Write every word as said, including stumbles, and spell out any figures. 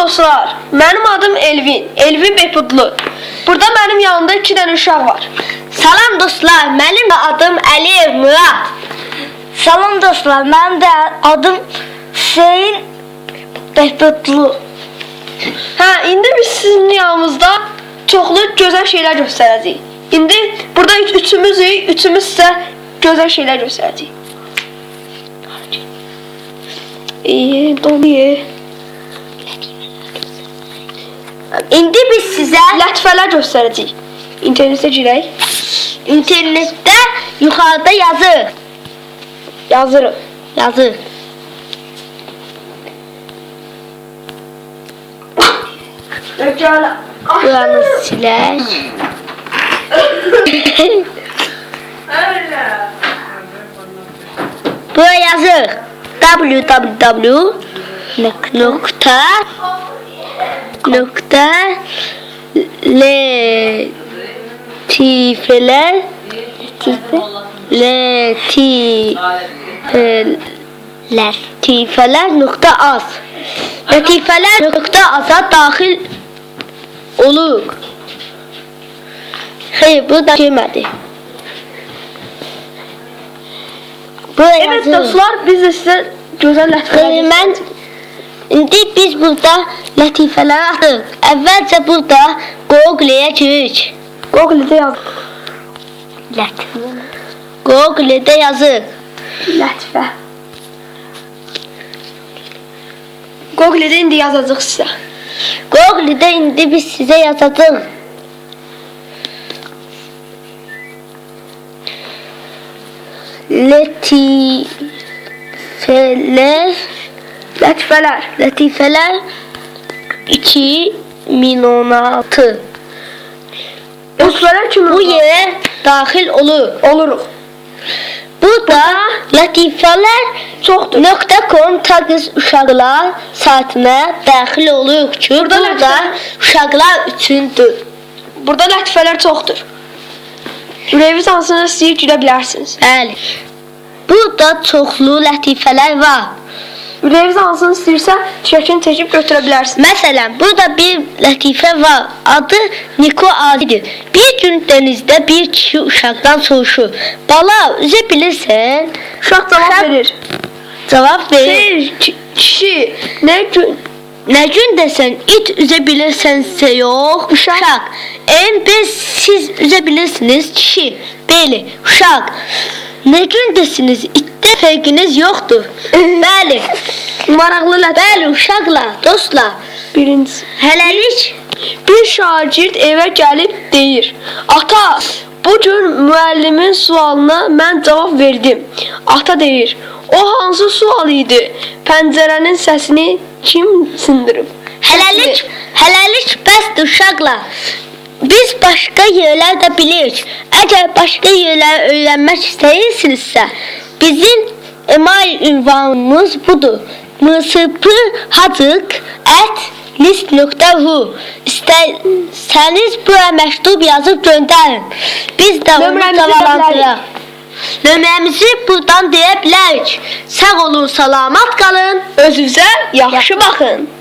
dostlar, benim adım Elvin, Elvin Behbudlu. Burada benim yanımda iki tane uşaq var. Salam dostlar, benim de adım Əliyev Murad. Salam dostlar, benim de adım Hüseyin Behbudlu. Hə, indi biz sizin yanımızda çoxlu gözəl şeylər göstərəcəyik. İndi burada üç, üçümüzük, üçümüz sizə gözəl şeylər göstərəcəyik. İyi, donuyor. İndi biz sizə Lətifələr göstərəcəyik. İnternetə girək. internetdə yuxarıda yazır. Yazırıq. Yazır. Buranı silək. Buraya yazır. www nokta nokta letifeler letifeler letifeler nokta az letifeler nokta az'a daxil olur. Hayır, bu da girmədi. Buraya Evet yazır. dostlar, biz de size gözəl lətifələr Ee, mən indi biz burada lətifələri atırıq. Əvvəlcə burada Google-yə giririk. Google-də yaz. Lətifə. Google-də yazırıq. Lətifə. Google-də indi yazacaq sizə. Google-də indi biz sizə yazacağıq. Lətifələr Lətifələr. Lətifələr iki min on altı. Lətifələr kimi Bu yerə daxil olur. oluruq. Burada lətifələr Çoxdur. .com taqız uşaqlar saytına daxil oluruq ki, Burada burada lətifə- uşaqlar üçündür. Burada lətifələr çoxdur. Ürəyiniz hansına istəyir girə bilərsiniz. Bəli. Burada çoxlu lətifələr var. Ürəyiniz hansını istəyirsə çəkini çəkib götürə bilərsiniz. Məsələn, burada bir lətifə var. Adı Niko Adidir. Bir gün dənizdə bir kişi uşaqdan soruşur. Bala, üzə bilirsən? Uşaq cavab Uşaq- verir. Cavab verir. Xeyr, ki- kişi, nə gün Nə gün desən it üzə bilirsənsə yox, uşaq. En biz siz üzə bilirsiniz, kişi. Bəli, uşaq. Nə gün desiniz, itdə fərqiniz yoxdur. Bəli. maraqlı lətifə. Bəli, uşaqlar, dostlar. Birincisi. Hələlik Bir şagird evə gəlib deyir: "Ata, bu gün müəllimin sualına mən cavab verdim." Ata deyir: "O hansı sual idi? Pəncərənin səsini kim sındırıb?" Hələlik, hələlik bəsdir uşaqlar. Biz başqa yerlər də bilirik. Əgər başqa yerləri öyrənmək istəyirsinizsə, bizim email ünvanımız budur. msphacık at list nöqtə ru. İstərsəniz bura məktub yazıb göndərin. Biz də onu Nömrəmizi cavablandıraq. Nömrəmizi buradan deyə bilərik. Sağ olun, salamat qalın. Özünüzə yaxşı baxın.